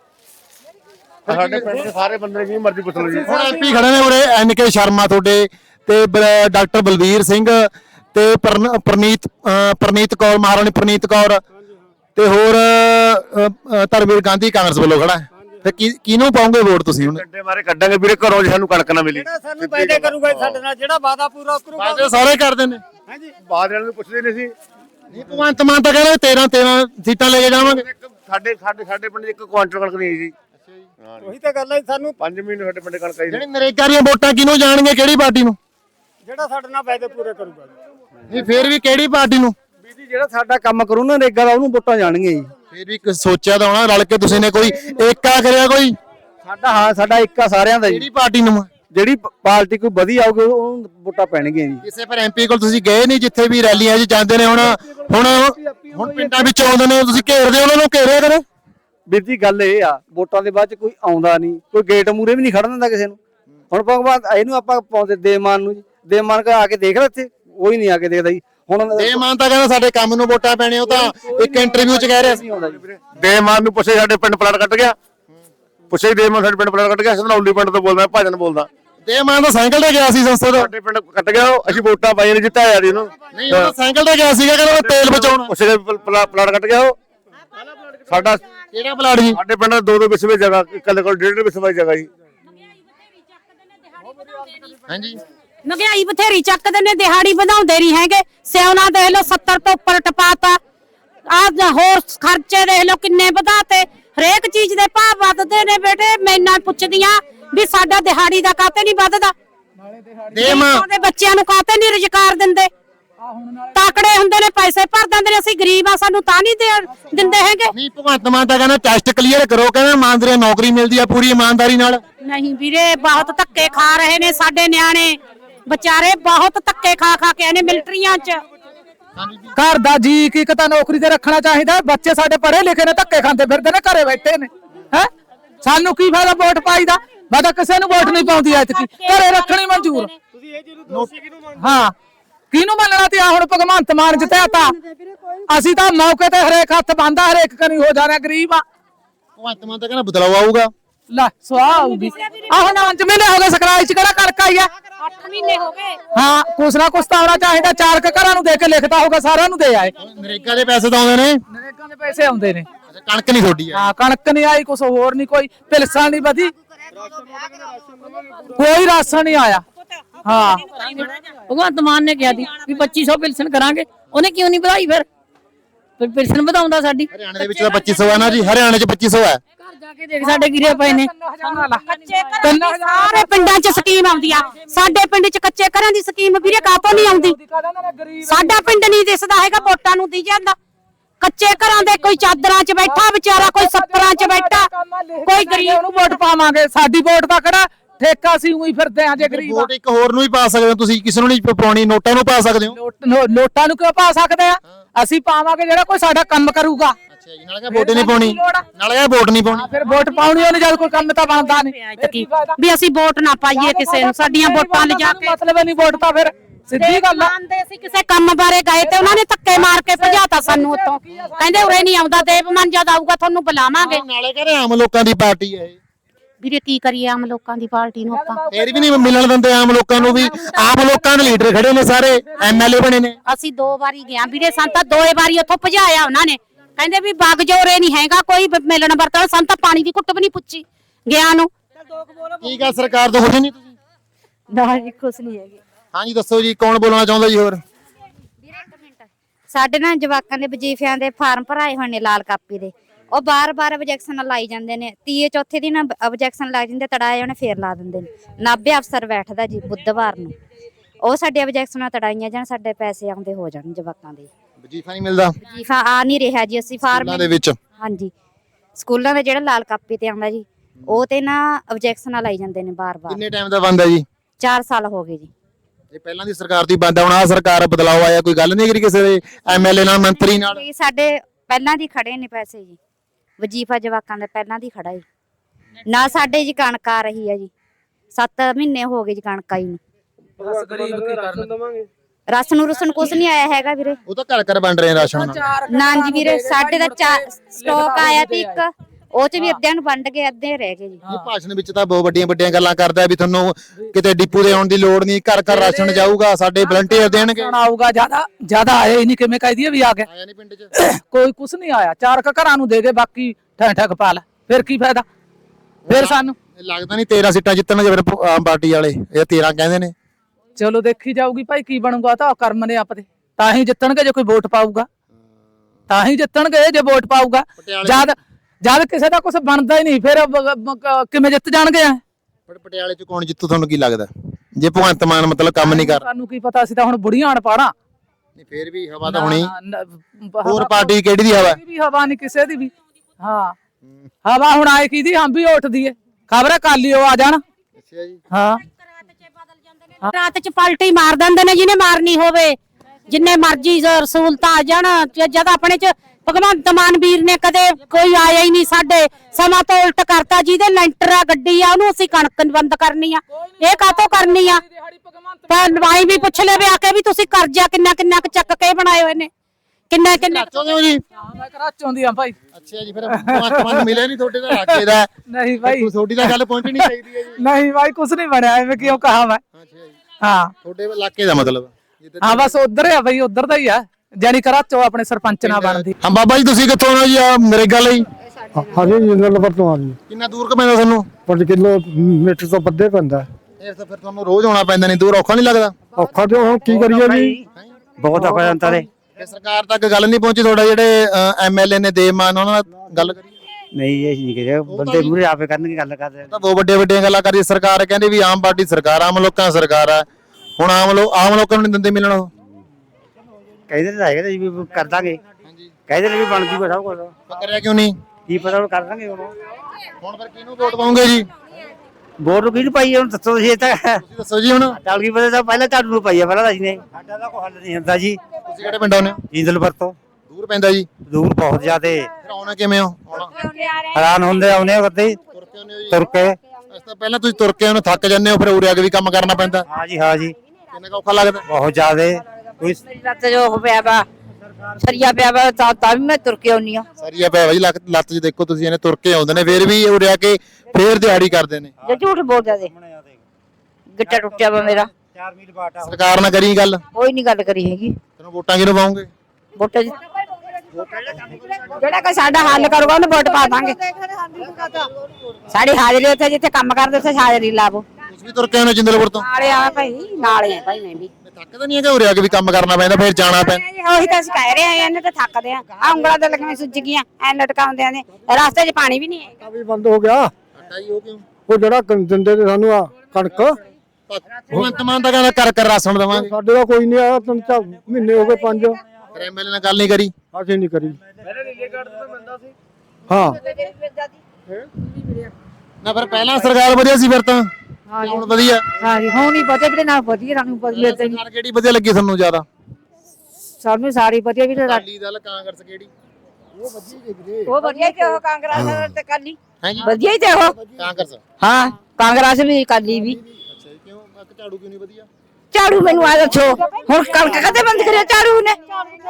[SPEAKER 4] ਸਾਡੇ ਪਿੰਡ ਦੇ ਸਾਰੇ ਬੰਦੇ ਕੀ ਮਰਜ਼ੀ ਪੁੱਛ ਲਓ ਜੀ।
[SPEAKER 2] ਹੁਣ ਐਮਪੀ ਖੜੇ ਨੇ ਉਰੇ, ਐਨਕੇ ਸ਼ਰਮਾ ਤੁਹਾਡੇ ਤੇ ਡਾਕਟਰ ਬਲਵੀਰ ਸਿੰਘ ਤੇ ਪ੍ਰਨੀਤ ਕੌਰ, ਮਹਾਰਾਣੀ ਪ੍ਰਨੀਤ ਕੌਰ ਤੇ ਹੋਰ ਧਰਮਵੀਰ ਗਾਂਧੀ ਕਾਂਗਰਸ ਵੱਲੋਂ ਖੜਾ ਹੈ। ਤੇ ਕਿਹਨੂੰ ਪਾਉਂਗੇ ਵੋਟ ਤੁਸੀਂ ਹੁਣ?
[SPEAKER 4] ਡੰਡੇ ਮਾਰੇ ਕੱਢਾਂਗੇ ਵੀਰੇ, ਘਰੋਂ ਜੇ ਸਾਨੂੰ ਕਣਕ ਨਾ ਮਿਲੀ।
[SPEAKER 5] ਜਿਹੜਾ ਸਾਨੂੰ ਵਾਅਦੇ ਕਰੂਗਾ ਸਾਡੇ ਨਾਲ, ਜਿਹੜਾ ਵਾਅਦਾ ਪੂਰਾ ਕਰੂਗਾ।
[SPEAKER 2] ਵਾਅਦੇ ਸਾਰੇ ਕਰਦੇ ਨੇ।
[SPEAKER 5] ਹਾਂਜੀ,
[SPEAKER 4] ਬਾਅਦ ਵਾਲਿਆਂ ਨੂੰ ਪੁੱਛਦੇ ਨਹੀਂ ਸੀ।
[SPEAKER 2] ਨਹੀਂ ਭਗਵੰਤ ਮਾਨ ਤਾਂ ਕਹਿੰਦੇ 13 ਸੀਟਾਂ ਲੈ ਕੇ ਜਾਵਾਂਗੇ।
[SPEAKER 4] ਸਾਡੇ ਪਿੰਡ 'ਚ 1 ਕੁਆਂਟਲ ਕਣਕ ਨਹੀਂ ਆਈ ਜੀ।
[SPEAKER 5] ਉਹੀ ਤਾਂ ਗੱਲ ਹੈ। ਸਾਨੂੰ
[SPEAKER 4] 5 ਮਹੀਨੇ ਸਾਡੇ ਪਿੰਡ ਕਣਕ ਆਈ।
[SPEAKER 2] ਜਿਹੜੀ ਨਰੇਗਾ ਦੀਆਂ ਵੋਟਾਂ ਕਿਹਨੂੰ ਜਾਣਗੇ? ਕਿਹੜੀ ਪਾਰਟੀ ਨੂੰ?
[SPEAKER 5] ਜਿਹੜਾ ਸਾਡੇ ਨਾਲ ਵਾਅਦੇ ਪੂਰੇ ਕਰੂਗਾ।
[SPEAKER 2] ਨਹੀਂ ਫਿਰ ਵੀ ਕਿਹੜੀ ਪਾਰਟੀ ਨੂੰ?
[SPEAKER 5] ਬੀਜੀ ਜਿਹੜਾ ਸਾਡਾ ਕੰਮ ਕਰੂ ਨਾ ਨਰੇਗਾ ਦਾ, ਉਹਨੂੰ ਵੋਟਾਂ ਜਾਣਗੀਆਂ ਜੀ।
[SPEAKER 2] ਫਿਰ ਵੀ ਸੋਚਿਆ ਤਾਂ ਹੋਣਾ ਰਲ ਕੇ ਤੁਸੀਂ ਨੇ, ਕੋਈ ਏਕਾ ਕਰਿਆ ਕੋਈ?
[SPEAKER 5] ਸਾਡਾ ਇੱਕ ਆ ਸਾਰਿਆਂ ਦਾ ਜੀ।
[SPEAKER 2] ਕਿਹੜੀ ਪਾਰਟੀ ਨੂੰ?
[SPEAKER 5] ਜਿਹੜੀ ਪਾਰਟੀ ਕੋਈ ਵਧੀਆ ਆਊਗੀ ਉਹਨੂੰ ਵੋਟਾਂ ਪੈਣਗੀਆਂ ਜੀ।
[SPEAKER 2] ਕਿਸੇ ਪਰ ਐਮਪੀ ਕੋਲ ਤੁਸੀਂ ਗਏ ਨਹੀਂ ਜਿੱਥੇ ਵੀ ਰੈਲੀਆਂ 'ਚ ਜਾਂਦੇ ਨੇ ਹੁਣ ਪਿੰਡਾਂ ਵਿੱਚ ਆਉਂਦੇ ਨੇ ਤੁਸੀਂ ਘੇਰਦੇ ਉਹਨਾਂ ਨੂੰ ਘੇਰਿਆ ਕਰੋ।
[SPEAKER 5] ਵੀਰ ਜੀ ਗੱਲ ਇਹ ਆ ਵੋਟਾਂ ਦੇ ਬਾਅਦ ਚ ਕੋਈ ਆਉਂਦਾ ਨਹੀਂ, ਕੋਈ ਗੇਟ ਮੂਰੇ ਵੀ ਨਹੀਂ ਖੜਨ ਦਿੰਦਾ ਕਿਸੇ ਨੂੰ। ਹੁਣ ਭਗਵਾਨ ਇਹਨੂੰ ਆਪਾਂ ਪਾਉਂਦੇ ਦੇਮਾਨ ਨੂੰ ਜੀ, ਦੇਮਾਨ ਕਾ ਆ ਕੇ ਦੇਖ ਲੈ ਇੱਥੇ ਕੋਈ ਨਹੀਂ ਆ ਕੇ ਦੇਖਦਾ ਜੀ। ਹੁਣ
[SPEAKER 2] ਦੇਮਾਨ ਤਾਂ ਕਹਿੰਦਾ ਸਾਡੇ ਕੰਮ ਨੂੰ ਵੋਟਾਂ ਪੈਣੇ, ਉਹ ਤਾਂ ਇੱਕ ਇੰਟਰਵਿਊ 'ਚ ਕਹਿ ਰਿਹਾ ਸੀ।
[SPEAKER 4] ਦੇਮਾਨ ਨੂੰ ਪੁੱਛੇ ਸਾਡੇ ਪਿੰਡ ਪਲਾਟ ਕੱਟ ਗਿਆ, ਪੁੱਛੇ ਦੇਮਾਨ ਸਾਡੇ ਪਿੰਡ ਪਲਾਟ ਕੱਟ ਗਿਆ, ਸਨੌਲੀ ਪਿੰਡ ਤੋਂ ਬੋਲਦਾ, ਭਾਜਨ ਬੋਲਦਾ।
[SPEAKER 2] ਦੇਮਾਨ ਤਾਂ ਸਾਈਕਲ ਤੇ ਗਿਆ ਸੀ ਸੰਸਦ।
[SPEAKER 4] ਸਾਡੇ ਪਿੰਡ ਕੱਟ ਗਿਆ, ਅਸੀਂ ਵੋਟਾਂ ਪਾਈਆਂ ਨੇ, ਜਿੱਤਿਆ ਜੀ ਉਹਨੂੰ।
[SPEAKER 2] ਨਹੀਂ ਉਹ ਸਾਈਕਲ ਤੇ ਗਿਆ ਸੀਗਾ, ਕਹਿੰਦਾ ਤੇਲ ਬਚਾਉਣਾ।
[SPEAKER 4] ਪੁੱਛੇ ਪਲਾਟ ਕੱਟ ਗਿਆ ਉਹ ਸਾਡਾ।
[SPEAKER 2] ਕਿਹੜਾ ਪਲਾਟ ਜੀ?
[SPEAKER 4] ਸਾਡੇ ਪਿੰਡ 2-2 ਵਿਸਵੇ ਜਗ੍ਹਾ, ਇਕੱਲੇ ਕੋਲ 1.5 ਵਿਸਵੇ ਜਗ੍ਹਾ ਜੀ।
[SPEAKER 2] ਹਾਂਜੀ
[SPEAKER 1] ਮਹਿੰਗਾਈ ਬਥੇਰੀ ਚੱਕਦੇ ਨੇ, ਦਿਹਾੜੀ ਵਧਾਉਂਦੇ ਨਹੀਂ ਹੈਗੇ। ਸਿਉਣਾ ਦੇਖ ਲਓ 70 ਤੋਂ ਉੱਪਰ ਟਪਾਤਾ। ਆ ਹੋਰ ਖਰਚੇ ਦੇਖ ਲਓ ਕਿੰਨੇ ਵਧਾਤੇ। ਹਰੇਕ ਚੀਜ਼ ਦੇ ਭਾਅ ਵੱਧਦੇ ਨੇ ਬੇਟੇ। ਮੈਨਾਂ ਪੁੱਛਦੀਆਂ ਵੀ ਸਾਡਾ ਦਿਹਾੜੀ ਦਾ ਕਾਤੇ ਨਹੀਂ ਵੱਧਦਾ, ਦੇ ਬੱਚਿਆਂ ਨੂੰ ਕਾਤੇ ਨਹੀਂ ਰੁਜ਼ਗਾਰ ਦਿੰਦੇ। ਤਾਕੜੇ ਹੁੰਦੇ ਨੇ ਪੈਸੇ ਭਰ ਦਿੰਦੇ ਨੇ, ਅਸੀਂ ਗਰੀਬ ਆ ਸਾਨੂੰ ਤਾਂ ਨਹੀਂ ਦਿੰਦੇ ਹੈਗੇ।
[SPEAKER 2] ਨਹੀਂ ਭਗਵੰਤ ਮਾਨ ਤਾਂ ਕਹਿੰਦਾ ਟੈਸਟ ਕਲੀਅਰ ਕਰੋ, ਕਹਿੰਦਾ ਇਮਾਨਦਾਰੀ ਨੌਕਰੀ ਮਿਲਦੀ ਆ ਪੂਰੀ ਇਮਾਨਦਾਰੀ ਨਾਲ।
[SPEAKER 1] ਨਹੀਂ ਵੀਰੇ ਬਹੁਤ ਧੱਕੇ ਖਾ ਰਹੇ ਨੇ ਸਾਡੇ ਨਿਆਣੇ ਵਿਚਾਰੇ, ਬਹੁਤ ਧੱਕੇ ਖਾ ਕੇ ਆਏ ਨੇ ਮਿਲਟਰੀਆਂ 'ਚ।
[SPEAKER 3] ਘਰ ਦਾ ਜੀ ਇੱਕ ਤਾਂ ਨੌਕਰੀ ਤੇ ਰੱਖਣਾ ਚਾਹੀਦਾ। ਬੱਚੇ ਸਾਡੇ ਪੜ੍ਹੇ ਲਿਖੇ ਨੇ, ਧੱਕੇ ਖਾਂਦੇ ਫਿਰਦੇ ਨੇ, ਘਰੇ ਬੈਠੇ ਨੇ। ਹੈ ਸਾਨੂੰ ਕੀ ਫਾਇਦਾ ਵੋਟ ਪਾਈ ਦਾ? ਮੈਂ ਤਾਂ ਕਿਸੇ ਨੂੰ ਵੋਟ ਨਹੀਂ ਪਾਉਂਦੀ ਐਤਕੀ, ਘਰੇ ਰੱਖਣੀ ਮਨਜ਼ੂਰ। ਹਾਂ ਕਿਹਨੂੰ ਮੰਨਣਾ ਤੇ ਆ ਹੁਣ ਭਗਵੰਤ ਮਾਨ ਜਿੱਤਿਆ ਤਾਂ ਅਸੀਂ ਤਾਂ ਮੌਕੇ ਤੇ ਹਰੇਕ ਹੱਥ ਬੰਦਾ, ਹਰੇਕ ਕਰੀ ਹੋ ਜਾ ਰਿਹਾ, ਗਰੀਬ ਆ।
[SPEAKER 2] ਭਗਵੰਤ ਮਾਨ ਤਾਂ ਕਹਿੰਦਾ ਬਦਲਾਅ ਆਊਗਾ।
[SPEAKER 3] ਲੈ ਸਵਾਹ ਆਊਗੀ। ਆ ਹੁਣ 5 ਮਹੀਨੇ ਹੋ ਗਏ ਸਕਰਾਈ ਚ ਕਿਹੜਾ ਕਣਕ ਆਈ ਆ?
[SPEAKER 1] 8 ਮਹੀਨੇ ਹੋ ਗਏ।
[SPEAKER 3] ਹਾਂ ਕੁਛ ਨਾ ਕੁਛ ਤਾਂ ਆਉਣਾ ਚਾਹੀਦਾ। 4 ਘਰਾਂ ਨੂੰ ਦੇ ਕੇ ਲਿਖਤਾ ਹੋਗਾ, ਸਾਰਿਆਂ ਨੂੰ ਦੇ ਆਏ।
[SPEAKER 2] ਨਰੇਗਾ ਦੇ ਪੈਸੇ ਤਾਂ ਆਉਂਦੇ ਨੇ,
[SPEAKER 3] ਨਰੇਗਾ ਦੇ ਪੈਸੇ ਆਉਂਦੇ ਨੇ।
[SPEAKER 2] ਕਣਕ ਨਹੀਂ ਥੋੜੀ ਆ।
[SPEAKER 3] ਹਾਂ ਕਣਕ ਨਹੀਂ ਆਈ, ਕੁਛ ਹੋਰ ਨਹੀਂ, ਕੋਈ ਪਿਲਸਾਂ ਨਹੀਂ ਵਧੀ, ਕੋਈ ਰਾਸ਼ਨ ਨਹੀਂ ਆਇਆ। ਹਾਂ
[SPEAKER 7] ਭਗਵੰਤ ਮਾਨ ਨੇ ਕਿਹਾ ਸੀ ਵੀ 2500 ਪਿਲਸਨ ਕਰਾਂਗੇ, ਉਹਨੇ ਕਿਉਂ ਨਹੀਂ ਵਧਾਈ? ਫਿਰ ਪਿਲਸਨ ਵਧਾਉਂਦਾ ਸਾਡੀ।
[SPEAKER 2] ਹਰਿਆਣੇ ਦੇ ਵਿੱਚ ਤਾਂ 2500 ਹੈ ਨਾ ਜੀ, ਹਰਿਆਣੇ 'ਚ 2500 ਹੈ।
[SPEAKER 7] ਘਰ ਜਾ ਕੇ ਦੇਖ ਸਾਡੇ ਗਿਰੇ ਪਏ ਨੇ।
[SPEAKER 1] ਸਾਰੇ ਪਿੰਡਾਂ 'ਚ ਸਕੀਮ ਆਉਂਦੀ ਆ, ਸਾਡੇ ਪਿੰਡ 'ਚ ਕੱਚੇ ਘਰਾਂ ਦੀ ਸਕੀਮ ਵੀਰੇ ਕਾਹਤੋਂ ਨਹੀਂ ਆਉਂਦੀ? ਸਾਡਾ ਪਿੰਡ ਨਹੀਂ ਦਿਸਦਾ ਹੈਗਾ, ਵੋਟਾਂ ਨੂੰ ਦੀ ਜਾਂਦਾ। ਕੱਚੇ ਘਰਾਂ ਦੇ ਕੋਈ ਚਾਦਰਾਂ 'ਚ ਬੈਠਾ ਵਿਚਾਰਾ, ਕੋਈ ਸੱਤਰਾਂ 'ਚ ਬੈਠਾ, ਕੋਈ ਗਰੀਬ
[SPEAKER 3] ਨੂੰ ਵੋਟ ਪਾਵਾਂਗੇ। ਸਾਡੀ ਵੋਟ ਦਾ ਕਿਹੜਾ ਠੇਕਾ ਸੀ? ਉਹੀ ਫਿਰਦੇ ਆ ਜੇ ਗਰੀਬ।
[SPEAKER 2] ਵੋਟ ਇੱਕ ਹੋਰ ਨੂੰ ਹੀ ਪਾ ਸਕਦੇ ਹੋ ਤੁਸੀਂ, ਕਿਸੇ ਨੂੰ ਨਹੀਂ ਪਾਉਣੀ, ਨੋਟਾਂ ਨੂੰ ਪਾ ਸਕਦੇ ਹੋ।
[SPEAKER 3] ਨੋਟਾਂ ਨੂੰ ਕਿਉਂ ਪਾ ਸਕਦੇ ਆ? ਅਸੀਂ ਪਾਵਾਂਗੇ ਜਿਹੜਾ ਕੋਈ ਸਾਡਾ ਕੰਮ ਕਰੂਗਾ।
[SPEAKER 2] ਅੱਛਾ ਜੀ, ਨਾਲੇ ਵੋਟ ਨਹੀਂ ਪਾਉਣੀ, ਨਾਲੇ ਵੋਟ ਨਹੀਂ ਪਾਉਣੀ।
[SPEAKER 3] ਫਿਰ ਵੋਟ ਪਾਉਣੀ ਉਹਨੇ ਜਦ ਕੋਈ ਕੰਮ ਤਾਂ ਬਣਦਾ ਨਹੀਂ।
[SPEAKER 1] ਵੀ ਅਸੀਂ ਵੋਟ ਨਾ ਪਾਈਏ ਕਿਸੇ ਨੂੰ, ਸਾਡੀਆਂ ਵੋਟਾਂ ਲਿਜਾ ਕੇ
[SPEAKER 3] ਮਤਲਬ ਨਹੀਂ ਵੋਟ ਤਾਂ ਫਿਰ ਸਿੱਧੀ ਗੱਲ ਆ।
[SPEAKER 1] ਅਸੀਂ ਕਿਸੇ ਕੰਮ ਬਾਰੇ ਗਏ ਤੇ ਉਹਨਾਂ ਨੇ ਧੱਕੇ ਮਾਰ ਕੇ ਭਜਾਤਾ ਸਾਨੂੰ ਉੱਥੋਂ। ਕਹਿੰਦੇ ਉਰੇ ਨਹੀਂ ਆਉਂਦਾ, ਦੇਵਮਨ ਜਦ ਆਊਗਾ ਤੁਹਾਨੂੰ ਬੁਲਾਵਾਂਗੇ।
[SPEAKER 2] ਨਾਲੇ ਕਹਿੰਦੇ ਆਮ ਲੋਕਾਂ ਦੀ ਪਾਰਟੀ ਹੈ ਇਹ।
[SPEAKER 1] ਵੀਰੇ ਕੀ ਕਰੀਏ ਆਮ ਲੋਕਾਂ ਦੀ ਪਾਰਟੀ ਨੂੰ ਆਪਾਂ?
[SPEAKER 2] ਫੇਰ ਵੀ ਨਹੀਂ ਮਿਲਣ ਦਿੰਦੇ ਆਮ ਲੋਕਾਂ ਨੂੰ ਵੀ। ਆਮ ਲੋਕਾਂ ਦੇ ਲੀਡਰ ਖੜੇ ਨੇ, ਸਾਰੇ ਐਮਐਲਏ ਬਣੇ ਨੇ।
[SPEAKER 1] ਅਸੀਂ 2 ਵਾਰੀ ਗਿਆ ਵੀਰੇ, ਸਾਨੂੰ ਤਾਂ 2 ਵਾਰੀ ਉੱਥੋਂ ਭਜਾਇਆ ਉਹਨਾਂ ਨੇ। ਕਹਿੰਦੇ ਵੀ ਬਾਗ ਜੋਰੇ ਨਹੀਂ ਹੈਗਾ ਕੋਈ ਮਿਲਣ ਵਰਤਣ, ਸਾਨੂੰ ਤਾਂ ਪਾਣੀ ਦੀ ਘੁੱਟ ਵੀ ਨਹੀਂ ਪੁੱਛੀ ਗਿਆ ਨੂੰ।
[SPEAKER 2] ਕੀ ਗੱਲ ਸਰਕਾਰ ਤੋਂ ਖੁਸ਼ ਨਹੀਂ ਤੁਸੀਂ?
[SPEAKER 6] ਨਾ ਜੀ ਕੁਛ ਨਹੀਂ ਹੈਗੀ।
[SPEAKER 2] ਹਾਂਜੀ ਦੱਸੋ ਜੀ, ਕੌਣ ਬੋਲਣਾ ਚਾਹੁੰਦਾ ਜੀ? ਹੋਰ
[SPEAKER 8] ਸਾਡੇ ਨਾਲ ਜਵਾਕਾਂ ਦੇ ਵਜੀਫਿਆਂ ਦੇ ਫਾਰਮ ਭਰਾਏ ਹੋਏ ਨੇ ਲਾਲ ਕਾਪੀ ਦੇ, ਉਹ ਬਾਰ-ਬਾਰ ਆਬਜੈਕਸ਼ਨ ਲਾਈ ਜਾਂਦੇ ਨੇ। ਤੀਏ ਚੌਥੇ ਦਿਨ ਆਬਜੈਕਸ਼ਨ ਲੱਗ ਜਾਂਦੇ, ਤੜਾਏ ਉਹਨੇ ਫੇਰ ਲਾ ਦਿੰਦੇ ਨੇ। ਨਾਭੇ ਅਫਸਰ ਬੈਠਦਾ ਜੀ ਬੁੱਧਵਾਰ ਨੂੰ, ਉਹ ਸਾਡੇ ਆਬਜੈਕਸ਼ਨਾਂ ਤੜਾਈਆਂ ਜਾਣ, ਸਾਡੇ ਪੈਸੇ ਆਉਂਦੇ ਹੋ ਜਾਣ ਜਵਾਕਾਂ ਦੇ।
[SPEAKER 2] ਵਜੀਫਾ ਨਹੀਂ ਮਿਲਦਾ
[SPEAKER 8] ਵਜੀਫਾ ਆ ਨਹੀਂ ਰਿਹਾ ਜੀ। ਅਸੀਂ ਫਾਰਮ
[SPEAKER 2] ਦੇ ਵਿੱਚ
[SPEAKER 8] ਹਾਂਜੀ ਸਕੂਲਾਂ ਦਾ ਜਿਹੜਾ ਲਾਲ ਕਾਪੀ ਤੇ ਆਉਂਦਾ ਜੀ, ਉਹ ਤੇ ਨਾ ਆਬਜੈਕਸ਼ਨਾਂ ਲਾਈ ਜਾਂਦੇ ਨੇ ਬਾਰ-ਬਾਰ।
[SPEAKER 2] ਕਿੰਨੇ ਟਾਈਮ ਦਾ ਬੰਦ ਹੈ ਜੀ?
[SPEAKER 8] 4 ਸਾਲ ਹੋ ਗਏ ਜੀ।
[SPEAKER 2] ਇਹ ਪਹਿਲਾਂ ਦੀ ਸਰਕਾਰ ਦੀ ਬੰਦ, ਹੁਣ ਆ ਸਰਕਾਰ ਬਦਲਾਅ ਆਇਆ, ਕੋਈ ਗੱਲ ਨਹੀਂ ਕਰੀ ਕਿਸੇ ਦੇ ਐਮਐਲਏ ਨਾਲ, ਮੰਤਰੀ ਨਾਲ?
[SPEAKER 8] ਸਾਡੇ ਪਹਿਲਾਂ ਦੀ ਖੜੇ ਨੇ ਪੈਸੇ ਜੀ, ਵਜੀਫਾ ਜਵਾਕਾਂ ਦੇ ਪਹਿਲਾਂ ਦੀ ਖੜਾ ਜੀ। ਨਾ ਸਾਡੇ ਜੀ ਕਣਕ ਆ ਰਹੀ ਹੈ ਜੀ, 7 ਮਹੀਨੇ ਹੋ ਗਏ ਜੀ ਕਣਕ ਆਈ ਨੂੰ। ਰਾਸ਼ਨ ਕੁਛ ਨਹੀਂ ਆਇਆ ਹੈਗਾ ਵੀਰੇ।
[SPEAKER 2] ਉਹ ਤਾਂ ਘਰ ਘਰ ਵੰਡ ਰਹੇ ਰਾਸ਼ਨ।
[SPEAKER 8] ਨਾ ਜੀ ਵੀਰੇ, ਸਾਡੇ ਦਾ ਸਟਾਕ ਆਇਆ ਤੇ ਇੱਕ, ਉਹ ਚ ਵੀ ਅੱਧਿਆਂ ਨੂੰ ਵੰਡ ਕੇ ਅੱਧੇ ਰਹਿ ਗਏ ਜੀ।
[SPEAKER 2] ਇਹ ਭਾਸ਼ਣ ਵਿੱਚ ਤਾਂ ਬਹੁਤ ਵੱਡੀਆਂ ਗੱਲਾਂ ਕਰਦਾ ਵੀ ਤੁਹਾਨੂੰ ਕਿਤੇ ਡਿਪੂ ਦੇ ਆਉਣ ਦੀ ਲੋੜ ਨਹੀਂ, ਘਰ ਘਰ ਰਾਸ਼ਨ ਜਾਊਗਾ, ਸਾਡੇ ਵਲੰਟੀਅਰ ਦੇਣਗੇ।
[SPEAKER 3] ਆਊਗਾ ਜਿਆਦਾ ਆਇਆ ਹੀ ਨਹੀਂ, ਕਿਵੇਂ ਕਹਿ ਦਈਏ ਵੀ ਆ ਗਿਆ।
[SPEAKER 2] ਆਇਆ ਨਹੀਂ ਪਿੰਡ 'ਚ
[SPEAKER 3] ਕੋਈ ਕੁਛ ਨਹੀਂ ਆਇਆ। 4 ਘਰਾਂ ਨੂੰ ਦੇ ਗਏ, ਬਾਕੀ ਠੱਕ ਪਾ ਲੈ, ਫਿਰ ਕੀ ਫਾਇਦਾ? ਫਿਰ ਸਾਨੂੰ
[SPEAKER 2] ਲੱਗਦਾ ਨਹੀਂ 13 ਸੀਟਾਂ ਜਿੱਤਣਗੇ ਫਿਰ ਆਮ ਪਾਰਟੀ ਵਾਲੇ। ਇਹ 13 ਕਹਿੰਦੇ ਨੇ।
[SPEAKER 3] ਚਲੋ ਦੇਖੀ ਜਾਊਗੀ ਭਾਈ ਕੀ ਬਣੂਗਾ, ਤਾਂ ਕਰਮ ਨੇ ਆਪਦੇ। ਤਾਂ ਹੀ ਜਿੱਤਣਗੇ ਜੇ ਕੋਈ ਵੋਟ ਪਾਊਗਾ, ਤਾਂ ਹੀ ਜਿੱਤਣਗੇ ਜੇ ਵੋਟ ਪਾਊਗਾ। ਜਦ ਕਿਸੇ ਦਾ ਕੁਝ ਬਣਦਾ ਹੀ ਨਹੀਂ, ਫਿਰ ਕਿਵੇਂ ਜਿੱਤ ਜਾਣਗੇ?
[SPEAKER 2] ਪਰ ਪਟਿਆਲੇ 'ਚ ਕੌਣ ਜਿੱਤੂ ਤੁਹਾਨੂੰ ਕੀ ਲੱਗਦਾ, ਜੇ ਭਗਵੰਤ ਮਾਨ ਮਤਲਬ ਕੰਮ ਨਹੀਂ ਕਰ?
[SPEAKER 3] ਸਾਨੂੰ ਕੀ ਪਤਾ, ਅਸੀਂ ਤਾਂ ਹੁਣ ਬੁੜੀਆਂ ਅਨਪੜ੍ਹਾਂ।
[SPEAKER 2] ਨਹੀਂ ਫੇਰ ਵੀ ਹਵਾ ਤਾਂ ਹੋਣੀ। ਹੋਰ ਪਾਰਟੀ ਕਿਹੜੀ ਦੀ ਹਵਾ?
[SPEAKER 3] ਵੀ ਹਵਾ ਨਹੀਂ ਕਿਸੇ ਦੀ ਵੀ। ਹਾਂ ਹਵਾ ਹੁਣ ਆਏ ਕਿਹਦੀ? ਹਮ ਵੀ ਉੱਠਦੀ ਏ, ਖਬਰ ਹੈ ਕਾਲੀ ਉਹ ਆ ਜਾਣ।
[SPEAKER 2] ਅੱਛਾ ਜੀ।
[SPEAKER 3] ਹਾਂ
[SPEAKER 1] ਰਾਤ ਚ ਪਲਟੀ ਮਾਰ ਦਿੰਦੇ ਨੇ ਜਿਹਨੇ ਮਾਰਨੀ ਹੋਵੇ, ਜਿੰਨੇ ਮਰਜ਼ੀ ਰਸੂਲਤਾਂ ਆ ਜਾਣ। ਜਦ ਆਪਣੇ ਚ ਭਗਵੰਤ ਮਾਨ ਵੀਰ ਨੇ ਕਦੇ ਕੋਈ ਆਇਆ ਹੀ ਨਹੀਂ ਸਾਡੇ, ਸਮਾਂ ਤੋਂ ਉਲਟ ਕਰਤਾ। ਜਿਹਦੇ ਲੈਂਟਰ ਆ ਗੱਡੀ ਆ ਉਹਨੂੰ ਅਸੀਂ ਕਣਕ ਬੰਦ ਕਰਨੀ ਆ, ਇਹ ਕਾਹਤੋਂ ਕਰਨੀ ਆ? ਪਰ ਵਾਈ ਵੀ ਪੁੱਛ ਲੈ ਵੀ ਆ ਕੇ ਵੀ ਤੁਸੀਂ ਕਰਜ਼ਾ ਕਿੰਨਾ ਕਿੰਨਾ ਕੁ ਚੱਕ ਕੇ ਬਣਾਏ ਹੋਏ ਨੇ, ਕਿੰਨਾ ਕਿੰਨਾ।
[SPEAKER 2] ਚਾਹੁੰਦੇ ਹੋ ਜੀ?
[SPEAKER 3] ਮੈਂ ਕਰਾਚੋਂ ਦੀ ਆ ਭਾਈ।
[SPEAKER 2] ਅੱਛਾ ਜੀ, ਫਿਰ ਤੁਹਾਨੂੰ ਮਿਲਿਆ ਨਹੀਂ ਤੁਹਾਡੇ ਦਾ ਇਲਾਕੇ ਦਾ?
[SPEAKER 3] ਨਹੀਂ ਭਾਈ,
[SPEAKER 2] ਤੁਹਾਡੀ ਤਾਂ ਗੱਲ ਪਹੁੰਚਣੀ ਚਾਹੀਦੀ ਹੈ ਜੀ।
[SPEAKER 3] ਨਹੀਂ ਭਾਈ ਕੁਛ ਨਹੀਂ ਬਣਿਆ, ਐਵੇਂ ਕਿਉਂ ਕਹਾ ਮੈਂ।
[SPEAKER 2] ਅੱਛਾ ਜੀ,
[SPEAKER 3] ਹਾਂ
[SPEAKER 2] ਤੁਹਾਡੇ ਇਲਾਕੇ ਦਾ ਮਤਲਬ
[SPEAKER 3] ਹਾਂ, ਬਸ ਉਧਰ ਆ ਭਾਈ, ਉਧਰ ਦਾ ਹੀ ਆ, ਜਾਨੀ ਕਰਾਚੋਂ ਆਪਣੇ ਸਰਪੰਚ ਨਾਲ ਬਣਦੀ।
[SPEAKER 2] ਹਾਂ ਬਾਬਾ ਜੀ, ਤੁਸੀਂ ਕਿੱਥੋਂ ਆਏ ਜੀ? ਆ ਨਰੇਗਾ ਲਈ
[SPEAKER 5] ਹਾਂਜੀ ਜਿੰਦਰਪੁਰ ਤੋਂ ਆ ਜੀ।
[SPEAKER 2] ਕਿੰਨਾ ਦੂਰ ਪੈਂਦਾ ਤੁਹਾਨੂੰ?
[SPEAKER 5] 5 ਕਿਲੋਮੀਟਰ ਤੋਂ ਵੱਧੇ ਪੈਂਦਾ।
[SPEAKER 2] ਇਹ ਤਾਂ ਫਿਰ ਤੁਹਾਨੂੰ ਰੋਜ਼ ਆਉਣਾ ਪੈਂਦਾ, ਨਹੀਂ ਦੂਰ ਔਖਾ ਨਹੀਂ ਲੱਗਦਾ?
[SPEAKER 5] ਔਖਾ ਤੇ ਹੁਣ ਕੀ ਕਰੀਏ ਜੀ, ਬਹੁਤ ਔਖਾ ਜਾਂਦਾ ਨੇ।
[SPEAKER 2] ਤੇ ਸਰਕਾਰ ਤੱਕ ਗੱਲ ਨਹੀਂ ਪਹੁੰਚੀ? ਤੁਹਾਡਾ ਜਿਹੜੇ ਐਮਐਲਏ ਨੇ ਦੇਵਮਾਨ, ਉਹਨਾਂ ਨਾਲ ਗੱਲ ਕਰੀ?
[SPEAKER 5] ਨਹੀਂ ਇਹ ਨਹੀਂ ਕਰਿਆ, ਬੰਦੇ ਮੂਰੇ ਆਪੇ ਕਰਨਗੇ ਗੱਲ ਕਰਦੇ।
[SPEAKER 2] ਤਾਂ ਬਹੁਤ ਵੱਡੀਆਂ ਗੱਲਾਂ ਕਰਦੀ ਸਰਕਾਰ, ਕਹਿੰਦੀ ਵੀ ਆਮ ਪਾਰਟੀ ਸਰਕਾਰ, ਆਮ ਲੋਕਾਂ ਦੀ ਸਰਕਾਰ ਆ। ਹੁਣ ਆਮ ਲੋਕਾਂ ਨੂੰ ਨਹੀਂ ਦਿੰਦੇ ਮਿਲਣ। ਉਹ
[SPEAKER 5] ਕਹਿੰਦੇ ਤਾਂ ਹੈਗੇ ਜੀ ਵੀ ਕਰ ਦਾਂਗੇ, ਕਹਿੰਦੇ ਨੇ ਵੀ ਬਣ ਜੂਗਾ ਸਭ ਕੁਝ,
[SPEAKER 2] ਕਰਿਆ ਕਿਉਂ ਨਹੀਂ?
[SPEAKER 5] ਕੀ ਪਤਾ ਹੁਣ ਕਰ ਦਾਂਗੇ।
[SPEAKER 2] ਹੁਣ ਫਿਰ ਕਿਹਨੂੰ ਵੋਟ ਪਾਉਂਗੇ ਜੀ?
[SPEAKER 5] ਵੋਟ ਨੂੰ ਕਿਹਨੂੰ ਪਾਈਏ ਹੁਣ ਦੱਸੋ ਤੁਸੀਂ? ਇਹ ਤਾਂ
[SPEAKER 2] ਤੁਸੀਂ ਦੱਸੋ ਜੀ। ਹੁਣ
[SPEAKER 5] ਚੱਲ ਕੀ ਪਤਾ, ਤਾਂ ਪਹਿਲਾਂ ਝਾੜੂ ਨੂੰ ਪਾਈਏ ਪਹਿਲਾਂ ਅਸੀਂ ਨੇ। ਸਾਡਾ ਤਾਂ ਕੋਈ ਹੱਲ ਨਹੀਂ ਹੁੰਦਾ ਜੀ।
[SPEAKER 2] ਤੁਸੀਂ ਕਿਹੜੇ ਪਿੰਡੋਂ ਨੇ?
[SPEAKER 5] ਜਿੰਦਲਪੁਰ ਤੋਂ।
[SPEAKER 2] ਦੂਰ ਪੈਂਦਾ ਜੀ?
[SPEAKER 5] ਦੂਰ ਬਹੁਤ ਜ਼ਿਆਦੇ।
[SPEAKER 2] ਫਿਰ ਆਉਣਾ ਕਿਵੇਂ ਹੋ?
[SPEAKER 5] ਹੈਰਾਨ ਹੁੰਦੇ ਆਉਨੇ ਕਰਦੇ ਤੁਰ ਕੇ।
[SPEAKER 2] ਇਸ ਤੋਂ ਪਹਿਲਾਂ ਤੁਸੀਂ ਤੁਰ ਕੇ ਉਹਨੂੰ ਥੱਕ ਜਾਂਦੇ ਹੋ, ਫਿਰ ਉਰੇ ਆ ਕੇ ਵੀ ਕੰਮ ਕਰਨਾ ਪੈਂਦਾ।
[SPEAKER 5] ਹਾਂ ਜੀ, ਹਾਂ ਜੀ,
[SPEAKER 2] ਕਿੰਨਾ ਕੁ ਔਖਾ ਲੱਗਦਾ?
[SPEAKER 5] ਬਹੁਤ ਜ਼ਿਆਦੇ। ਕੋਈ
[SPEAKER 8] ਲੱਤ ਜੋ ਹੋ ਪਿਆ ਵਾ, ਸਰੀਆ ਪਿਆ ਵਾ, ਤਾਂ ਵੀ ਮੈਂ ਤੁਰ ਕੇ ਆਉਣੀ ਆ।
[SPEAKER 2] ਸਰੀਆ ਪਿਆ ਭਾਈ ਲੱਤ 'ਚ, ਦੇਖੋ ਤੁਸੀਂ, ਇਹਨੇ ਤੁਰ ਕੇ ਆਉਂਦੇ ਨੇ, ਫਿਰ ਵੀ ਉਰੇ ਆ ਕੇ ਫੇਰ ਦਿਹਾੜੀ ਕਰਦੇ ਨੇ।
[SPEAKER 8] ਜੇ ਝੂਠ ਬੋਲਦਾ ਦੇ, ਗਿੱਟਾ ਟੁੱਟਿਆ ਵਾ ਮੇਰਾ।
[SPEAKER 5] 4 ਮੀਲ ਬਾਟਾ।
[SPEAKER 2] ਸਰਕਾਰ ਨਾਲ ਕਰੀ ਗੱਲ?
[SPEAKER 8] ਕੋਈ ਨਹੀਂ ਗੱਲ ਕਰੀ ਹੈਗੀ।
[SPEAKER 2] ਤੈਨੂੰ ਵੋਟਾਂ ਕਿਹਨੂੰ ਪਾਉਂਗੇ?
[SPEAKER 8] ਵੋਟਾਂ ਜਿਹੜਾ ਕੋਈ ਸਾਡਾ ਹੱਲ ਕਰੂਗਾ ਉਹਨੂੰ ਵੋਟ ਪਾ ਦਾਂਗੇ। ਸਾਡੀ ਹਾਜ਼ਰੀ ਉੱਥੇ ਜਿੱਥੇ ਕੰਮ ਕਰਦੇ ਉੱਥੇ ਹਾਜ਼ਰੀ ਲਾਵੋ।
[SPEAKER 2] ਤੁਸੀਂ ਵੀ ਤੁਰ ਕੇ ਆਉਣੇ ਜਿੰਦਲਪੁਰ ਤੋਂ?
[SPEAKER 8] ਨਾਲੇ ਆ ਭਾਈ, ਨਾਲੇ ਆ ਭਾਈ ਮੈਂ ਵੀ।
[SPEAKER 2] ਥੱਕਦਾ ਨਹੀਂ ਹੈਗਾ ਉਰੇ ਆ ਕੇ ਵੀ ਕੰਮ ਕਰਨਾ ਪੈਂਦਾ, ਫਿਰ ਜਾਣਾ ਪੈਂਦਾ?
[SPEAKER 8] ਉਹੀ ਤਾਂ ਅਸੀਂ ਕਹਿ ਰਹੇ ਆ, ਇਹਨੇ ਤਾਂ ਥੱਕਦੇ ਆ। ਆ ਉਂਗਲਾਂ ਤੇ ਲੱਗੀਆਂ ਸੁੱਜ ਗਈਆਂ, ਐ ਲਟਕਾਉਂਦੇ ਨੇ। ਰਸਤੇ 'ਚ ਪਾਣੀ ਵੀ ਨਹੀਂ ਹੈ।
[SPEAKER 5] ਵੀ ਬੰਦ ਹੋ ਗਿਆ।
[SPEAKER 2] ਅੱਟਾ ਜੀ, ਉਹ ਕਿਉਂ?
[SPEAKER 5] ਉਹ ਜਿਹੜਾ ਦਿੰਦੇ ਨੇ ਸਾਨੂੰ ਆ ਕਣਕ,
[SPEAKER 2] ਭਗਵੰਤ ਮਾਨ ਤਾਂ ਕਹਿੰਦਾ ਕਰ ਰਾਸ਼ਨ ਦੇਵਾਂਗੇ।
[SPEAKER 5] ਸਾਡੇ ਦਾ ਕੋਈ ਨਹੀਂ ਆਇਆ। 3 ਮਹੀਨੇ ਹੋ ਗਏ 5।
[SPEAKER 2] ਫਿਰ ਐਮਐਲਏ ਨਾਲ ਗੱਲ ਨਹੀਂ ਕਰੀ?
[SPEAKER 5] ਅਸੀਂ ਨਹੀਂ ਕਰੀ। ਹਾਂ
[SPEAKER 2] ਨਾ ਫਿਰ ਪਹਿਲਾਂ ਸਰਕਾਰ ਵਧੀਆ ਸੀ, ਫਿਰ ਤਾਂ ਹੁਣ ਵਧੀਆ?
[SPEAKER 6] ਹਾਂਜੀ ਹੁਣ ਹੀ ਪਤਾ ਵੀਰੇ ਨਾ ਵਧੀਆ, ਸਾਨੂੰ ਵਧੀਆ
[SPEAKER 2] ਸਰਕਾਰ ਕਿਹੜੀ ਵਧੀਆ ਲੱਗੀ ਤੁਹਾਨੂੰ ਜ਼ਿਆਦਾ?
[SPEAKER 6] ਸਾਨੂੰ ਸਾਰੀ ਵਧੀਆ ਵੀਰੇ।
[SPEAKER 2] ਅਕਾਲੀ ਦਲ, ਕਾਂਗਰਸ, ਕਿਹੜੀ?
[SPEAKER 6] ਉਹ ਵਧੀਆ ਤੇ ਉਹ ਕਾਂਗਰਸ ਤੇ ਕਾਲੀ
[SPEAKER 2] ਹੈ ਜੀ?
[SPEAKER 6] ਵਧੀਆ ਹੀ ਤੇ ਉਹ।
[SPEAKER 2] ਕਾਂਗਰਸ?
[SPEAKER 6] ਹਾਂ ਕਾਂਗਰਸ ਵੀ ਕਾਲੀ ਵੀ।
[SPEAKER 2] ਅੱਛਾ ਜੀ, ਕਿਉਂ? ਝਾੜੂ ਕਿਉਂ ਨਹੀਂ ਵਧੀਆ?
[SPEAKER 6] ਝਾੜੂ ਮੈਨੂੰ ਆ ਦੱਸੋ, ਹੁਣ ਕਣਕ ਕਦੇ ਬੰਦ ਕਰਿਆ ਝਾੜੂ ਨੇ?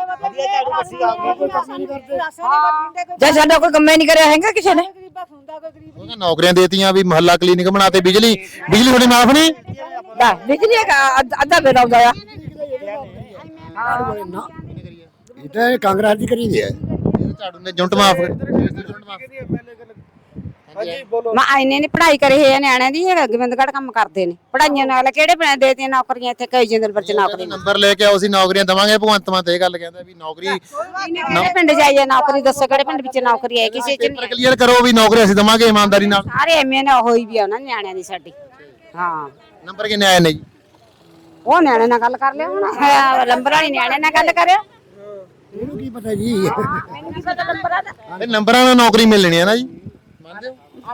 [SPEAKER 6] ਜੇ ਸਾਡਾ ਕੋਈ ਕੰਮ ਹੀ ਨਹੀਂ ਕਰਿਆ ਹੈਗਾ ਕਿਸੇ ਨੇ।
[SPEAKER 2] ਉਹਨਾਂ ਨੌਕਰੀਆਂ ਦੇਤੀਆਂ, ਵੀ ਮੁਹੱਲਾ ਕਲੀਨਿਕ ਬਣਾਤੇ, ਬਿਜਲੀ ਥੋੜੀ ਮਾਫ ਨਹੀਂ?
[SPEAKER 6] ਬਿਜਲੀ ਅੱਧਾ ਬਿੱਲ ਆਉਂਦਾ ਆ।
[SPEAKER 5] ਇਹ ਤਾਂ ਕਾਂਗਰਸ ਦੀ ਕਰੀ ਦੀ ਹੈ।
[SPEAKER 2] ਝਾੜੂ ਨੇ ਜੁੰਟ ਮਾਫ
[SPEAKER 8] ਮੈਂ ਇਹਨੇ ਨੇ ਪੜ੍ਹਾਈ ਕਰੀ ਹੈ ਨਿਆਣਿਆਂ ਦੀ, ਇਹ ਗੋਬਿੰਦਗੜ੍ਹ ਕੰਮ ਕਰਦੇ ਨੇ। ਪੜ੍ਹਾਈਆਂ ਨਾਲ ਕਿਹੜੇ ਪਿੰਡ ਦੇਤੀਆਂ ਨੌਕਰੀਆਂ? ਇੱਥੇ ਕਈ ਜਿੰਦਲਪੁਰ ਚ ਨੌਕਰੀ
[SPEAKER 2] ਨੰਬਰ ਲੈ ਕੇ ਆਓ, ਅਸੀਂ ਨੌਕਰੀਆਂ ਦਵਾਂਗੇ। ਭਗਵੰਤ ਮਾਨ ਤੇ ਇਹ ਗੱਲ ਕਹਿੰਦਾ ਵੀ ਨੌਕਰੀ।
[SPEAKER 8] ਕਿਹੜੇ ਪਿੰਡ ਜਾਈਏ ਨੌਕਰੀ ਦੱਸੋ, ਕਿਹੜੇ ਪਿੰਡ ਵਿੱਚ ਨੌਕਰੀ ਹੈ? ਕਿਸੇ ਚ
[SPEAKER 2] ਪੇਪਰ
[SPEAKER 8] ਨਹੀਂ।
[SPEAKER 2] ਕਲੀਅਰ ਕਰੋ ਵੀ ਨੌਕਰੀ ਅਸੀਂ ਦਵਾਂਗੇ ਇਮਾਨਦਾਰੀ ਨਾਲ।
[SPEAKER 8] ਸਾਰੇ ਐਵੇਂ ਨਾ ਹੋਈ ਵੀ ਆ ਉਹਨਾਂ ਨਿਆਣਿਆਂ ਦੀ ਸਾਡੀ। ਹਾਂ
[SPEAKER 2] ਨੰਬਰ ਕਿੰਨੇ ਆਏ ਨੇ ਜੀ?
[SPEAKER 8] ਉਹ ਨਿਆਣੇ ਨਾਲ ਗੱਲ ਕਰ ਲਿਓ ਹੁਣ, ਲੰਬਰ ਵਾਲੀ ਨਿਆਣੇ ਨਾਲ ਗੱਲ ਕਰਿਓ।
[SPEAKER 5] ਇਹਨੂੰ ਕੀ ਪਤਾ ਜੀ?
[SPEAKER 8] ਮੈਨੂੰ ਕੀ ਪਤਾ ਲੰਬਰਾਂ ਦਾ।
[SPEAKER 2] ਇਹ ਨੰਬਰਾਂ ਨਾਲ ਨੌਕਰੀ ਮਿਲਣੀ ਹੈ ਨਾ ਜੀ? ਮੰਨਦੇ ਹੋ?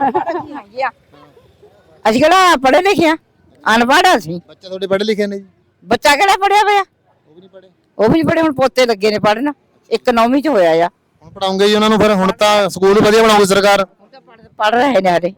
[SPEAKER 6] ਅਸੀਂ ਕਿਹੜਾ ਪੜ੍ਹੇ ਲਿਖੇ ਆ, ਅਨਪੜ੍ਹ ਅਸੀਂ।
[SPEAKER 2] ਬੱਚੇ ਤੁਹਾਡੇ ਪੜ੍ਹੇ ਲਿਖੇ ਨੇ ਜੀ?
[SPEAKER 6] ਬੱਚਾ ਕਿਹੜਾ ਪੜਿਆ ਹੋਇਆ?
[SPEAKER 2] ਉਹ ਵੀ ਨਹੀਂ ਪੜ੍ਹੇ?
[SPEAKER 6] ਉਹ ਵੀ ਪੜ੍ਹੇ, ਹੁਣ ਪੋਤੇ ਲੱਗੇ ਨੇ ਪੜ੍ਹਨ। ਇੱਕ 9ਵੀਂ ਚ ਹੋਇਆ ਆ।
[SPEAKER 2] ਹੁਣ ਪੜਾਉਂਗੇ ਜੀ ਉਹਨਾਂ ਨੂੰ? ਫਿਰ ਹੁਣ ਤਾਂ ਸਕੂਲ ਵਧੀਆ ਬਣਾਉਗੀ ਸਰਕਾਰ।
[SPEAKER 6] ਪੜ੍ਹ ਰਹੇ ਨੇ ਹਾਲੇ।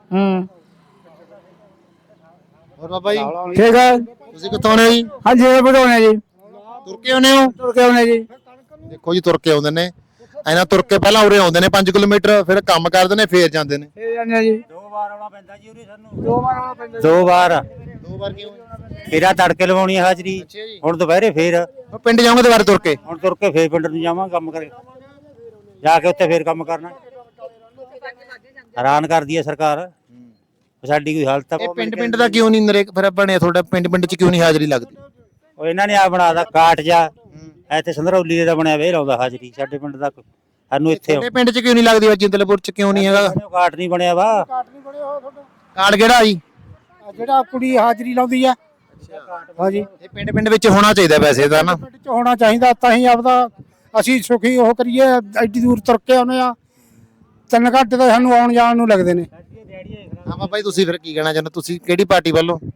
[SPEAKER 2] ਹੋਰ ਬਾਬਾ ਜੀ,
[SPEAKER 5] ਠੀਕ ਹੈ।
[SPEAKER 2] ਤੁਸੀਂ ਕਿੱਥੋਂ ਆਉਣੇ ਹੋ ਜੀ?
[SPEAKER 5] ਹਾਂਜੀ ਇਹ ਵਧਾਉਣੇ ਜੀ।
[SPEAKER 2] ਤੁਰ ਕੇ ਆਉਣੇ ਹੋ?
[SPEAKER 5] ਤੁਰ ਕੇ ਆਉਣੇ ਜੀ।
[SPEAKER 2] ਦੇਖੋ ਜੀ, ਤੁਰ ਕੇ ਆਉਂਦੇ ਨੇ। ਇਹਨਾਂ ਤੁਰ ਕੇ ਪਹਿਲਾਂ ਉਰੇ ਆਉਂਦੇ ਨੇ 5 ਕਿਲੋਮੀਟਰ, ਫਿਰ ਕੰਮ ਕਰਦੇ ਨੇ, ਫੇਰ ਜਾਂਦੇ ਨੇ।
[SPEAKER 5] ਇਹ ਜਾਂਦੇ ਜੀ।
[SPEAKER 4] 2 ਵਾਰ ਆਉਣਾ ਪੈਂਦਾ ਜੀ ਉਰੇ ਸਾਨੂੰ।
[SPEAKER 5] 2 ਵਾਰ ਆਉਣਾ ਪੈਂਦਾ।
[SPEAKER 4] 2 ਵਾਰ।
[SPEAKER 2] 2 ਵਾਰ ਕਿਉਂ?
[SPEAKER 4] ਫੇਰਾ ਤੜਕੇ ਲਵਾਉਣੀ ਹੈ ਹਾਜ਼ਰੀ, ਹੁਣ ਦੁਪਹਿਰੇ ਫੇਰ।
[SPEAKER 2] ਉਹ ਪਿੰਡ ਜਾਓਗੇ ਦੁਬਾਰਾ ਤੁਰ ਕੇ?
[SPEAKER 4] ਹੁਣ ਤੁਰ ਕੇ ਫੇਰ ਪਿੰਡ ਨੂੰ ਜਾਵਾਂ ਕੰਮ ਕਰੇ, ਜਾ ਕੇ ਉੱਥੇ ਫੇਰ ਕੰਮ ਕਰਨਾ। ਹੈਰਾਨ ਕਰਦੀ ਹੈ ਸਰਕਾਰ ਸਾਡੀ। ਕੋਈ ਹਾਲਤ
[SPEAKER 2] ਇਹ ਪਿੰਡ ਦਾ ਕਿਉਂ ਨਹੀਂ ਨਰੇਗਾ ਫਿਰ ਬਣਿਆ ਤੁਹਾਡਾ? ਪਿੰਡ ਚ ਕਿਉਂ ਨਹੀਂ ਹਾਜ਼ਰੀ ਲੱਗਦੀ?
[SPEAKER 4] ਉਹ ਇਹਨਾਂ ਨੇ ਆ ਬਣਾਦਾ ਕਾਟ ਜਾ, ਇੱਥੇ ਸੰਧਰੌਲੀ ਦਾ ਬਣਿਆ ਵੇ ਲਾਉਂਦਾ ਹਾਜ਼ਰੀ। ਸਾਡੇ ਪਿੰਡ ਦਾ ਸਾਨੂੰ ਇੱਥੇ
[SPEAKER 2] ਤੁਹਾਡੇ ਪਿੰਡ ਚ ਕਿਉਂ ਨਹੀਂ ਲੱਗਦੀ? ਜਿੰਦਲਪੁਰ ਚ ਕਿਉਂ ਨਹੀਂ ਹੈਗਾ?
[SPEAKER 4] ਕਾਟ ਨਹੀਂ ਬਣਿਆ ਵਾ।
[SPEAKER 2] ਕਾਰਡ ਕਿਹੜਾ ਜੀ?
[SPEAKER 5] ਜਿਹੜਾ ਕੁੜੀ ਹਾਜ਼ਰੀ ਲਾਉਂਦੀ ਆ। ਹਾਂਜੀ,
[SPEAKER 2] ਇਹ ਪਿੰਡ ਵਿੱਚ ਹੋਣਾ ਚਾਹੀਦਾ ਵੈਸੇ ਤਾਂ ਨਾ।
[SPEAKER 5] ਪਿੰਡ ਚ ਹੋਣਾ ਚਾਹੀਦਾ, ਤਾਂ ਹੀ ਆਪਦਾ ਅਸੀਂ ਸੁਖੀ ਉਹ ਕਰੀਏ। ਐਡੀ ਦੂਰ ਤੁਰ ਕੇ ਆਉਨੇ ਆ, 3 ਘੰਟੇ ਤਾਂ ਸਾਨੂੰ ਆਉਣ ਜਾਣ ਨੂੰ ਲੱਗਦੇ ਨੇ।
[SPEAKER 2] ਹਾਂ ਬਾਬਾ ਜੀ, ਤੁਸੀਂ ਫਿਰ ਕੀ ਕਹਿਣਾ ਚਾਹੁੰਦੇ? ਤੁਸੀਂ ਕਿਹੜੀ ਪਾਰਟੀ ਵੱਲੋਂ?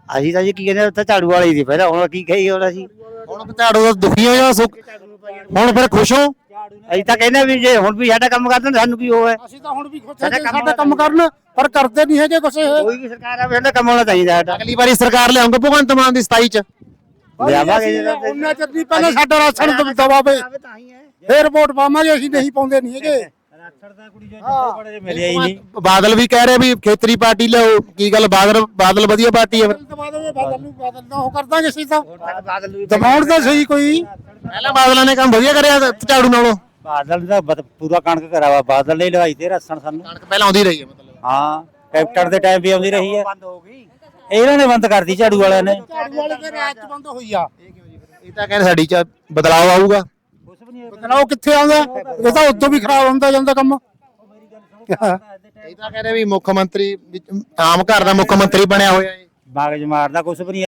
[SPEAKER 5] ਅਸੀਂ ਤਾਂ ਜੀ ਕੀ ਕਹਿੰਦੇ ਉੱਥੇ ਝਾੜੂ ਵਾਲੀ ਸੀ ਪਹਿਲਾਂ, ਹੁਣ ਕੀ ਕਹੀ ਹੁਣ ਅਸੀਂ।
[SPEAKER 2] ਹੁਣ ਝਾੜੂ ਦਾ ਦੁਖੀ ਹੋ ਜਾਂ ਸੁੱਖ ਹੁਣ ਫਿਰ ਖੁਸ਼ ਹੋ?
[SPEAKER 5] ਅਸੀਂ ਤਾਂ ਕਹਿੰਦੇ ਵੀ ਜੇ ਹੁਣ ਵੀ ਸਾਡਾ ਕੰਮ ਕਰਦੇ ਨੇ ਸਾਨੂੰ ਕੀ ਹੋਵੇ।
[SPEAKER 3] ਅਸੀਂ ਤਾਂ ਹੁਣ ਵੀ ਸਾਡਾ ਕੰਮ ਕਰਨ ਪਰ ਕਰਦੇ ਨਹੀਂ ਹੈਗੇ ਕੁਛ ਇਹ।
[SPEAKER 5] ਕੋਈ ਵੀ ਸਰਕਾਰ ਆਵੇ ਸਾਡਾ ਕੰਮ ਹੋਣਾ ਚਾਹੀਦਾ ਸਾਡਾ।
[SPEAKER 2] ਅਗਲੀ ਵਾਰੀ ਸਰਕਾਰ ਲਿਆਉਂਗੇ ਭਗਵੰਤ ਮਾਨ ਦੀ 27 ਚ?
[SPEAKER 5] ਲਿਆਵਾਂਗੇ
[SPEAKER 3] ਉਹਨਾਂ ਚਿਰ ਨਹੀਂ ਪਹਿਲਾਂ ਸਾਡਾ ਰਾਸ਼ਨ ਦਵਾਵੇ ਫੇਰ ਵੋਟ ਪਾਵਾਂਗੇ, ਅਸੀਂ ਨਹੀਂ ਪਾਉਂਦੇ ਨਹੀਂ ਹੈਗੇ।
[SPEAKER 5] ਮਿਲਿਆ ਹੀ ਨਹੀਂ।
[SPEAKER 2] ਬਾਦਲ ਵੀ ਕਹਿ ਰਹੇ ਵੀ ਖੇਤਰੀ ਪਾਰਟੀ ਲਿਆਓ, ਕੀ ਗੱਲ ਬਾਦਲ ਵਧੀਆ ਪਾਰਟੀ ਹੈ?
[SPEAKER 3] ਬਾਦਲ ਨੂੰ ਉਹ ਕਰ ਦਾਂਗੇ ਅਸੀਂ ਤਾਂ ਦਬਾਉਣ ਦਾ ਸਹੀ ਕੋਈ।
[SPEAKER 2] ਪਹਿਲਾਂ ਬਾਦਲਾਂ ਨੇ ਕੰਮ ਵਧੀਆ ਕਰਿਆ ਝਾੜੂ ਨਾਲੋਂ?
[SPEAKER 5] ਬਾਦਲ ਦਾ ਪੂਰਾ ਕਣਕ ਕਰਾਵਾ, ਬਾਦਲ ਨੇ ਲਵਾਈ ਤੇ ਰਸਣ ਸਾਨੂੰ।
[SPEAKER 2] ਕਣਕ ਪਹਿਲਾਂ ਆਉਂਦੀ ਰਹੀ ਹੈ ਮਤਲਬ?
[SPEAKER 5] ਹਾਂ ਕੈਪਟਨ ਦੇ ਟਾਈਮ ਵੀ ਆਉਂਦੀ ਰਹੀ ਹੈ, ਇਹਨਾਂ ਨੇ ਬੰਦ ਕਰਤੀ ਝਾੜੂ ਵਾਲਿਆਂ ਨੇ।
[SPEAKER 3] ਝਾੜੂ ਵਾਲੇ ਦੇ ਰਾਜ ਚ ਬੰਦ ਹੋਈ ਆ।
[SPEAKER 2] ਇਹ ਤਾਂ ਕਹਿੰਦੇ ਸਾਡੀ ਚ ਬਦਲਾਅ ਆਊਗਾ।
[SPEAKER 3] ਬਦਲਾਓ ਕਿੱਥੇ ਆਉਂਦਾ? ਇਹ ਤਾਂ ਉਦੋਂ ਵੀ ਖਰਾਬ ਹੁੰਦਾ ਜਾਂਦਾ ਕੰਮ।
[SPEAKER 2] ਇਹ ਤਾਂ ਕਹਿੰਦੇ ਵੀ ਮੁੱਖ ਮੰਤਰੀ ਆਮ ਘਰ ਦਾ ਮੁੱਖ ਮੰਤਰੀ ਬਣਿਆ ਹੋਇਆ ਹੈ।
[SPEAKER 5] ਬਾਗਜ ਮਾਰਦਾ ਕੁਛ ਵੀ ਨਹੀਂ।